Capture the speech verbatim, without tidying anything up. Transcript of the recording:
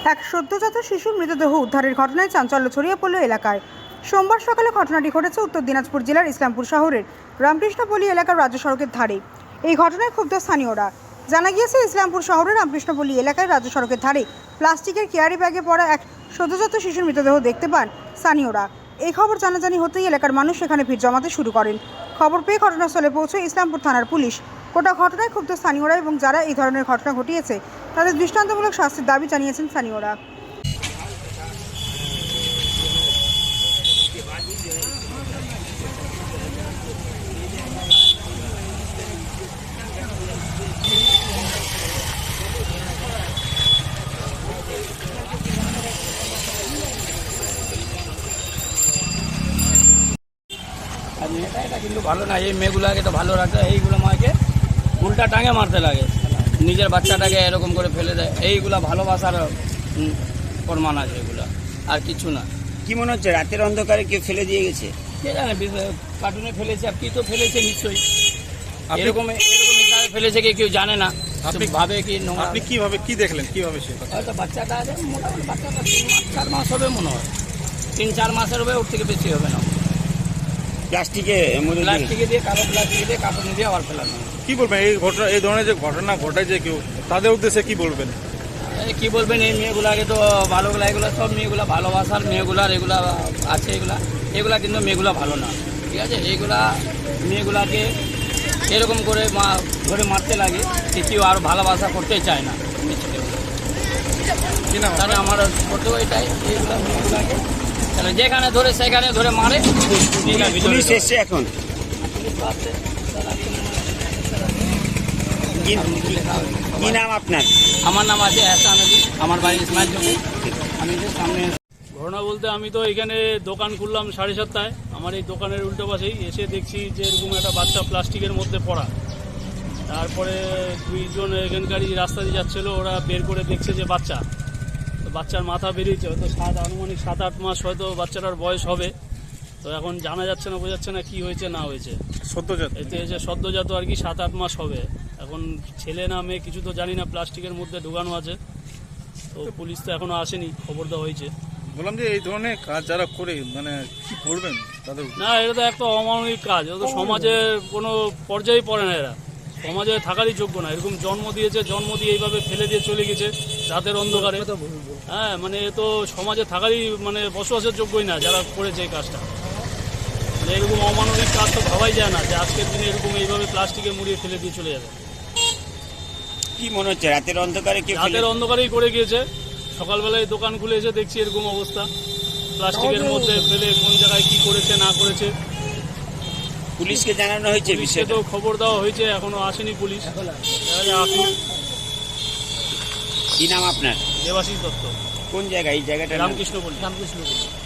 এক সদ্যজাত শিশুর মৃতদেহ উদ্ধারের ঘটনায় চাঞ্চল্য ছড়িয়ে পড়ল এলাকায়। সোমবার সকালে ঘটনাটি ঘটেছে উত্তর দিনাজপুর জেলার ইসলামপুর শহরের রামকৃষ্ণপল্লী এলাকার রাজ্য সড়কের ধারে। এই ঘটনায় ক্ষুব্ধ স্থানীয়রা। জানা গিয়েছে, ইসলামপুর শহরের রামকৃষ্ণপল্লী এলাকায় রাজ্য সড়কের ধারে প্লাস্টিকের ক্যারি ব্যাগে পড়া এক সদ্যজাত শিশুর মৃতদেহ দেখতে পান স্থানীয়রা। এই খবর জানাজানি হতেই এলাকার মানুষ সেখানে ভিড় জমাতে শুরু করেন। খবর পেয়ে ঘটনাস্থলে পৌঁছে ইসলামপুর থানার পুলিশ। গোটা ঘটনায় ক্ষুব্ধ স্থানীয়রা এবং যারা এই ধরনের ঘটনা ঘটিয়েছে তাদের দৃষ্টান্তমূলক শাস্তির দাবি জানিয়েছেন স্থানীয়রা। আর মেয়েটা এটা কিন্তু ভালো না, এই মেয়েগুলোকে তো ভালো রাখতে, এইগুলো মাকে উল্টা টাঙে মারতে লাগে, নিজের বাচ্চাটাকে এরকম করে ফেলে দেয়। এইগুলা ভালোবাসার প্রমাণ আছে, এগুলো আর কিছু না। কি মনে হচ্ছে রাতের অন্ধকারে কেউ ফেলে দিয়ে গেছে? কে জানে, কার্টুনে ফেলেছে, আর কি তো ফেলেছে নিশ্চয়ই। এরকম এরকম হিসাবে ফেলেছে কি কেউ জানে না, আপনি ভাবে কি। আপনি কিভাবে কি দেখলেন, কিভাবে সে হয়তো বাচ্চাটা আছে, মোটামুটি বাচ্চাটা তিন মাস চার মাস হবে মনে হয়, তিন চার মাসের হবে, ওর থেকে বেশি হবে না। প্লাস্টিকে প্লাস্টিকে দিয়ে কালো প্লাস্টিকে দিয়ে কার্টুনে দিয়ে আবার ফেলানো। কি বলবেন এই ঘটনা, এই ধরনের যে ঘটনা ঘটায় কেউ, তাদের উদ্দেশ্যে কি বলবেন? কি বলবেন, এই মেয়েগুলাকে তো ভালোগুলা, এগুলো সব মেয়েগুলা ভালোবাসার মেয়েগুলার এগুলা আছে, এগুলা এগুলা কিন্তু মেয়েগুলা ভালো না, ঠিক আছে। এইগুলা মেয়েগুলাকে এরকম করে মা ধরে মারতে লাগে, কেউ আর ভালোবাসা করতে চায় না। তাহলে আমার করতেও এটাই, এইগুলা মেয়েগুলাকে তাহলে যেখানে ধরে সেখানে ধরে মারে। পুলিশ এসছে এখন? কি নাম আপনার? আমার নাম আছে এহসান আলী, আমার বাড়ি ইসমাইল চকে। আমি যে সামনে ঘটনা বলতে, আমি তো এখানে দোকান খুললাম সাড়ে সাতটায়। আমার এই দোকানের উল্টো পাশেই এসে দেখছি যে এরকম একটা বাচ্চা প্লাস্টিকের মধ্যে পড়া। তারপরে দুইজন এখানকারই রাস্তা দিয়ে যাচ্ছিলো, ওরা বের করে দেখছে যে বাচ্চা, তো বাচ্চার মাথা বেরিয়েছে, হয়তো সাত আনুমানিক সাত আট মাস হয়তো বাচ্চাটার বয়স হবে। তো এখন জানা যাচ্ছে না, বোঝাচ্ছে না কি হয়েছে না হয়েছে। সদ্যজাত এতে এসে সদ্যজাত আর কি, সাত আট মাস হবে। এখন ছেলে না মেয়ে কিছু তো জানি না, প্লাস্টিকের মধ্যে ঢোকানো আছে। তো পুলিশ তো এখনো আসেনি, খবর দেওয়া হয়েছে। বললাম যে এই ধরনের কাজ যারা করে, মানে কি করবেন তাদের? না, এটা তো একটা অমানবিক কাজ, এটা তো সমাজের কোনো পর্যায়ে পড়ে না, এরা সমাজে থাকারই যোগ্য না। এরকম জন্ম দিয়েছে, জন্ম দিয়ে এইভাবে ফেলে দিয়ে চলে গেছে রাতের অন্ধকারে। হ্যাঁ, মানে এ তো সমাজে থাকারই মানে বসবাসের যোগ্যই না যারা করেছে এই কাজটা। মানে এরকম অমানবিক কাজ তো ভাবাই যায় না যে আজকের দিনে এরকম এইভাবে প্লাস্টিকে মুড়িয়ে ফেলে দিয়ে চলে যাবে। কি মনে হচ্ছে রাতের অন্ধকারে কেউ? রাতের অন্ধকারেই করে গিয়েছে। সকালবেলায় দোকান খুলে এসে দেখছি এরকম অবস্থা, প্লাস্টিকের মধ্যে ফেলে কোন জায়গায় কি করেছে না করেছে। পুলিশকে জানানো হয়েছে বিষয়ে? তো খবর দেওয়া হয়েছে, এখনো আসেনি পুলিশ। আসুন। কি নাম আপনার? দেবাশিস দত্ত। কোন জায়গায় এই জায়গাটা? রামকৃষ্ণপল্লী। রামকৃষ্ণপল্লী।